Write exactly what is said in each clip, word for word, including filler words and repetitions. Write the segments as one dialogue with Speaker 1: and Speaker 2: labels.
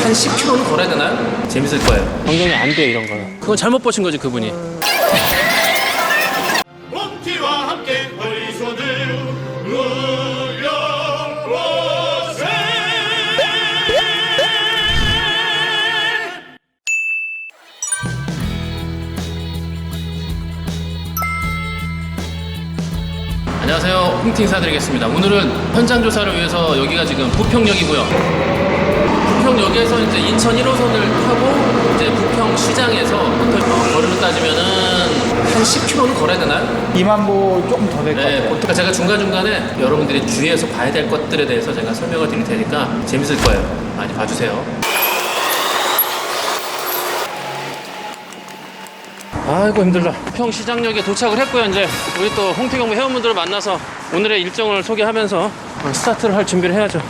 Speaker 1: 한 십 킬로미터는 걸어야 되나요? 재밌을 거예요. 변경이 안 돼요, 이런 거는. 그건 잘못 보신 거지, 그분이.
Speaker 2: 몸티와 함께 허리손을 올려보세.
Speaker 1: 안녕하세요, 홍티 인사드리겠습니다. 오늘은 현장 조사를 위해서 여기가 지금 부평역이고요. 부평역에서 이제 인천 일 호선을 타고 이제 부평시장에서 어, 거리로 따지면은 한 십 킬로미터는 걸어야 되나요?
Speaker 3: 이만 보 조금 더 될 것
Speaker 1: 네,
Speaker 3: 같아요.
Speaker 1: 그러니까 제가 중간중간에 여러분들이 주의해서 봐야 될 것들에 대해서 제가 설명을 드릴 테니까 재밌을 거예요. 많이 봐주세요. 아이고 힘들다. 부평시장역에 도착을 했고요. 이제 우리 또 홍태경무 회원분들을 만나서 오늘의 일정을 소개하면서 스타트를 할 준비를 해야죠.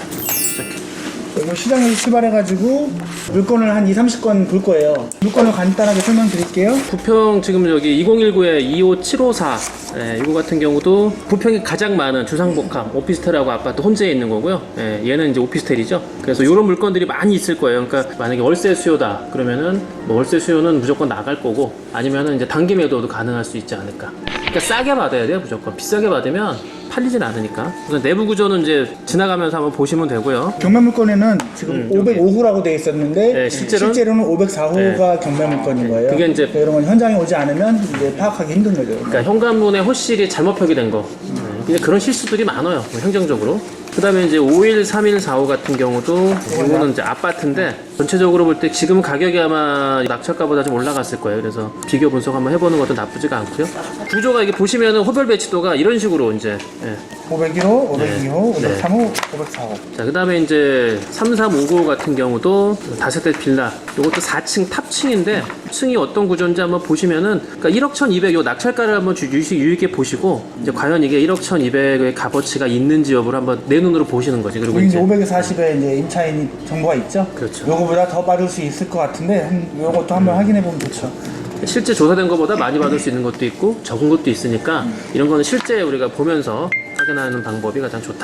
Speaker 3: 그리고 시장에서 출발해가지고 물건을 한 이삼십 건 볼 거예요. 물건을 간단하게 설명드릴게요.
Speaker 1: 부평 지금 여기 이공일구에 이오칠오사 예, 이거 같은 경우도 부평이 가장 많은 주상복합 오피스텔하고 아파트 혼재에 있는 거고요. 예, 얘는 이제 오피스텔이죠. 그래서 이런 물건들이 많이 있을 거예요. 그러니까 만약에 월세 수요다 그러면은 뭐 월세 수요는 무조건 나갈 거고 아니면은 이제 단기 매도도 가능할 수 있지 않을까. 그러니까 싸게 받아야 돼요. 무조건 비싸게 받으면 팔리진 않으니까. 그래서 내부 구조는 이제 지나가면서 한번 보시면 되고요.
Speaker 3: 경매 물건에는 지금
Speaker 1: 음,
Speaker 3: 오백오 호라고 되어 있었는데
Speaker 1: 네, 실제로는?
Speaker 3: 실제로는 오백사 호가 경매 물건인 거예요.
Speaker 1: 그게 이제-
Speaker 3: 이런 건 현장에 오지 않으면 이제 파악하기 힘든 거죠.
Speaker 1: 그러니까 현관문에 호실이 잘못 표기된 거. 네, 그런 실수들이 많아요. 뭐 행정적으로. 그 다음에 이제 오일, 삼일, 사호 같은 경우도 이거는 이제 아파트인데 전체적으로 볼 때 지금 가격이 아마 낙찰가보다 좀 올라갔을 거예요. 그래서 비교 분석 한번 해보는 것도 나쁘지가 않고요. 구조가 이게 보시면은 호별 배치도가 이런 식으로 이제 예.
Speaker 3: 오백일 호, 오백이 호,
Speaker 1: 네.
Speaker 3: 오백삼 호, 오백사 호.
Speaker 1: 자, 그 다음에 이제 삼, 삼, 오 구 같은 경우도 다세대 빌라. 이것도 사 층 탑층인데 층이 어떤 구조인지 한번 보시면은 그러니까 일억 천이백 요 낙찰가를 한번 주- 유식 유익에 보시고 이제 과연 이게 일억 천이백의 값어치가 있는지 여부를 한번 내 눈으로 보시는 거지. 그리고
Speaker 3: 여기 이제
Speaker 1: 이제
Speaker 3: 오백사십에 이제 임차인 정보가 있죠.
Speaker 1: 그렇죠.
Speaker 3: 요거보다 더 받을 수 있을 것 같은데 한- 요것도 한번 확인해 보면 좋죠.
Speaker 1: 실제 조사된 것보다 많이 받을 수 있는 것도 있고 적은 것도 있으니까 이런 거는 실제 우리가 보면서 확인하는 방법이 가장 좋다.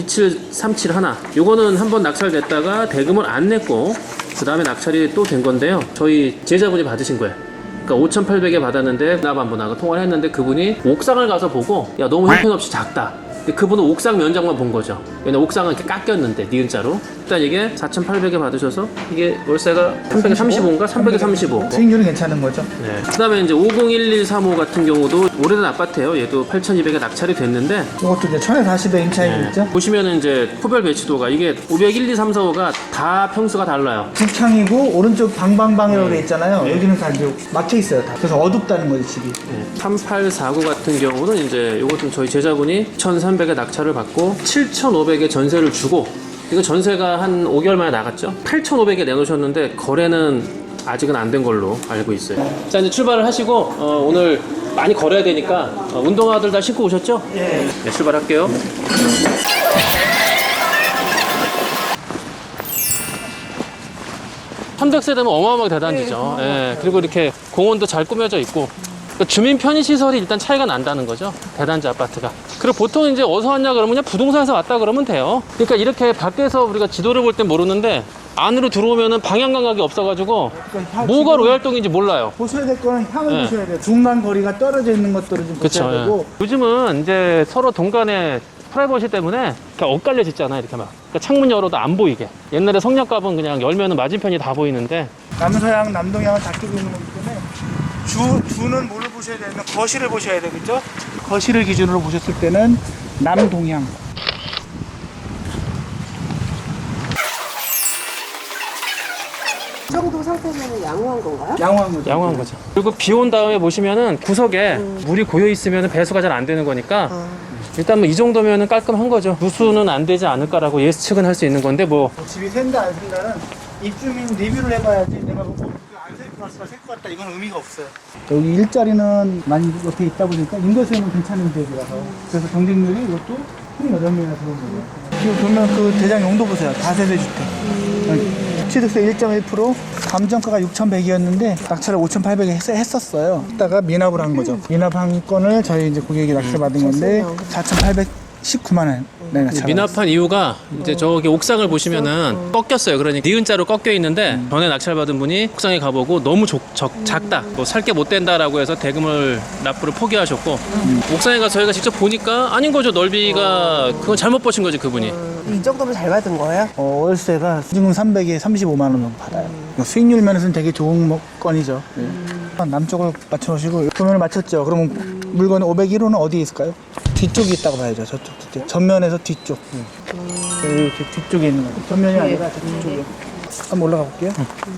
Speaker 1: 이칠삼칠 하나 요거는 한번 낙찰됐다가 대금을 안 냈고 그 다음에 낙찰이 또 된 건데요. 저희 제자분이 받으신 거예요. 그러니까 오천팔백에 받았는데 나반분하고 통화를 했는데 그분이 옥상을 가서 보고 야 너무 형편없이 작다. 근데 그분은 옥상 면적만 본 거죠. 왜냐면 옥상은 이렇게 깎였는데 니은자로. 일단 이게 사천팔백에 받으셔서 이게 월세가 삼백삼십오인가 삼백삼십오.
Speaker 3: 수익률이 괜찮은 거죠.
Speaker 1: 네. 그 다음에 이제 오공일일삼호 같은 경우도 오래된 아파트예요. 얘도 팔천이백에 낙찰이 됐는데
Speaker 3: 이것도 이제 천사십에 임차인
Speaker 1: 네.
Speaker 3: 있죠.
Speaker 1: 보시면은 이제 호별 배치도가 이게 오백일, 이, 삼, 사, 호가 다 평수가 달라요.
Speaker 3: 북창이고 오른쪽 방방방이라고 돼 있잖아요. 여기는 다 이제 막혀 있어요. 다. 그래서 어둡다는 거죠 집이.
Speaker 1: 네. 삼팔사구 같은 경우는 이제 요것도 저희 제자분이 천삼백에 낙찰을 받고 칠천오백에 전세를 주고 이거 전세가 한 오 개월 만에 나갔죠. 팔천오백에 내놓으셨는데 거래는 아직은 안 된 걸로 알고 있어요. 자 이제 출발을 하시고 어, 오늘 많이 걸어야 되니까 어, 운동화들 다 신고 오셨죠?
Speaker 3: 예.
Speaker 1: 네, 출발할게요. 삼백 세대면 어마어마하게 대단지죠. 예, 그리고 이렇게 공원도 잘 꾸며져 있고 그러니까 주민 편의 시설이 일단 차이가 난다는 거죠. 대단지 아파트가. 그리고 보통 이제 어디서 왔냐 그러면 그냥 부동산에서 왔다 그러면 돼요. 그러니까 이렇게 밖에서 우리가 지도를 볼 땐 모르는데 안으로 들어오면은 방향 감각이 없어가지고
Speaker 3: 그러니까
Speaker 1: 뭐가
Speaker 3: 지금
Speaker 1: 로얄동인지 몰라요.
Speaker 3: 보셔야 될 거는 향을
Speaker 1: 네.
Speaker 3: 보셔야 돼요. 중간 거리가 떨어져 있는 것들을 좀
Speaker 1: 그쵸.
Speaker 3: 보셔야
Speaker 1: 예.
Speaker 3: 되고.
Speaker 1: 요즘은 이제 서로 동간에 프라이버시 때문에 이렇게 엇갈려 짓잖아요. 이렇게 막. 그러니까 창문 열어도 안 보이게. 옛날에 성냥갑은 그냥 열면은 맞은편이 다 보이는데
Speaker 3: 남서양, 남동양을 다 끼고 있는 거기 때문에 주, 주는 뭐를 보셔야 되냐면 거실을 보셔야 되겠죠? 거실을 기준으로 보셨을 때는 남동향.
Speaker 4: 이 정도 상태면 양호한 건가요?
Speaker 3: 양호한 거죠.
Speaker 1: 양호한 거죠. 그리고 비 온 다음에 보시면은 구석에 물이 고여 있으면 배수가 잘 안 되는 거니까 일단 뭐 이 정도면은 깔끔한 거죠. 누수는 안 되지 않을까라고 예측은 할 수 있는 건데 뭐
Speaker 3: 집이 샌다 안 샌다는 입주민 리뷰를 해봐야지 내가 뭐 안셀것 같다 셀것 같다 이건 의미가 없어요. 여기 일자리는 많이 옆에 있다 보니까 임대수요는 괜찮은 지역이라서 그래서 경쟁률이 이것도 이십팔 명이나 들어온 거예요. 지금 보면 그 대장 용도 보세요. 다세대 주택. 취득세 일 점 일 퍼센트 감정가가 육천백이었는데 낙찰을 오천팔백에 했, 했었어요. 했다가 미납을 한 거죠. 미납한 건을 저희 이제 고객이 낙찰 받은 건데 사천팔백 십구만 원 내가 잡았어요.
Speaker 1: 미납한 이유가 이제 저기 옥상을 보시면은 꺾였어요. 그러니까 니은자로 꺾여 있는데 전에 낙찰받은 분이 옥상에 가보고 너무 적, 적, 작다, 뭐 살 게 못 된다라고 해서 대금을 납부를 포기하셨고
Speaker 3: 음.
Speaker 1: 옥상에 가서 저희가 직접 보니까 아닌 거죠. 넓이가 그건 잘못 보신 거지 그분이.
Speaker 4: 이 정도면 잘 받은 거예요?
Speaker 3: 어, 월세가 지금 삼백에 삼십오만 원 정도 받아요. 수익률 면에서는 되게 좋은 뭐- 건이죠. 예. 남쪽을 맞춰놓으시고 도면을 맞췄죠. 그러면 물건 오백일 호는 어디에 있을까요? 뒤쪽에 있다고 봐야죠. 저쪽 뒤쪽. 전면에서 뒤쪽. 이렇게 뒤쪽에 있는 거예요. 전면이 아니라 저 뒤쪽에. 한번 올라가 볼게요.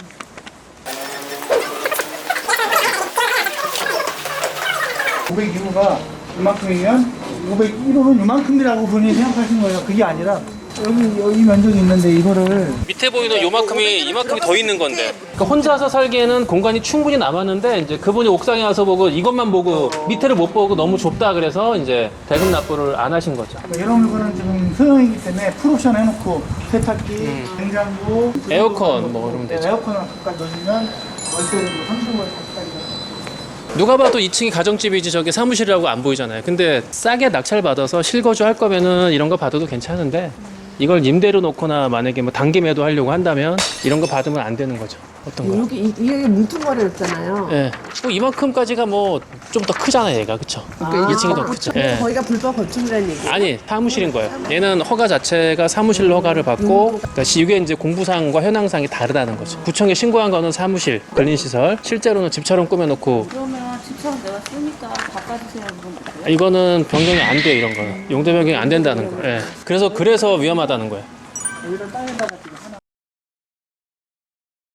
Speaker 3: 오백일 호가 이만큼이면 오백일 호는 이만큼이라고 본인이 생각하신 거예요. 그게 아니라 여기 여기 면적이 있는데 이거를
Speaker 1: 밑에 보이는 요만큼이 이만큼이 더 있는 건데. 그러니까 혼자서 살기에는 공간이 충분히 남았는데 이제 그분이 옥상에 와서 보고 이것만 보고 밑에를 못 보고 너무 좁다 그래서 이제 대금 납부를 안 하신 거죠.
Speaker 3: 이런 물건은 지금 소형이기 때문에 풀옵션 해놓고 세탁기, 냉장고,
Speaker 1: 에어컨 뭐 그러면 되죠.
Speaker 3: 에어컨을 가까이 넣으시면 월세를 삼십오 월 가까이.
Speaker 1: 누가 봐도 이 층이 가정집이지 저게 사무실이라고 안 보이잖아요. 근데 싸게 낙찰 받아서 실거주 할 거면은 이런 거 받아도 괜찮은데 이걸 임대로 놓거나 만약에 뭐 단기 매도 하려고 한다면 이런 거 받으면 안 되는 거죠. 어떤 거?
Speaker 4: 여기 이- 이게 뭉뚱거렸잖아요.
Speaker 1: 예. 뭐 이만큼까지가 뭐 좀 더 크잖아요, 얘가. 그쵸? 이 층이 더 크죠. 예.
Speaker 4: 거기가 불법 건축이라는 얘기.
Speaker 1: 아니, 사무실인 거예요. 얘는 허가 자체가 사무실로 허가를 받고, 그러니까 이게 이제 공부상과 현황상이 다르다는 거죠. 구청에 신고한 거는 사무실, 근린시설, 실제로는 집처럼 꾸며놓고,
Speaker 5: 그러면 집처럼 내가 쓰니까 바꿔주세요 이건 어때요?
Speaker 1: 이거는 변경이 안 돼요, 이런 거는. 용도 변경이 안 된다는 거예요. 예. 그래서, 그래서 위험하다는 거예요.
Speaker 3: 여기다 땅에다가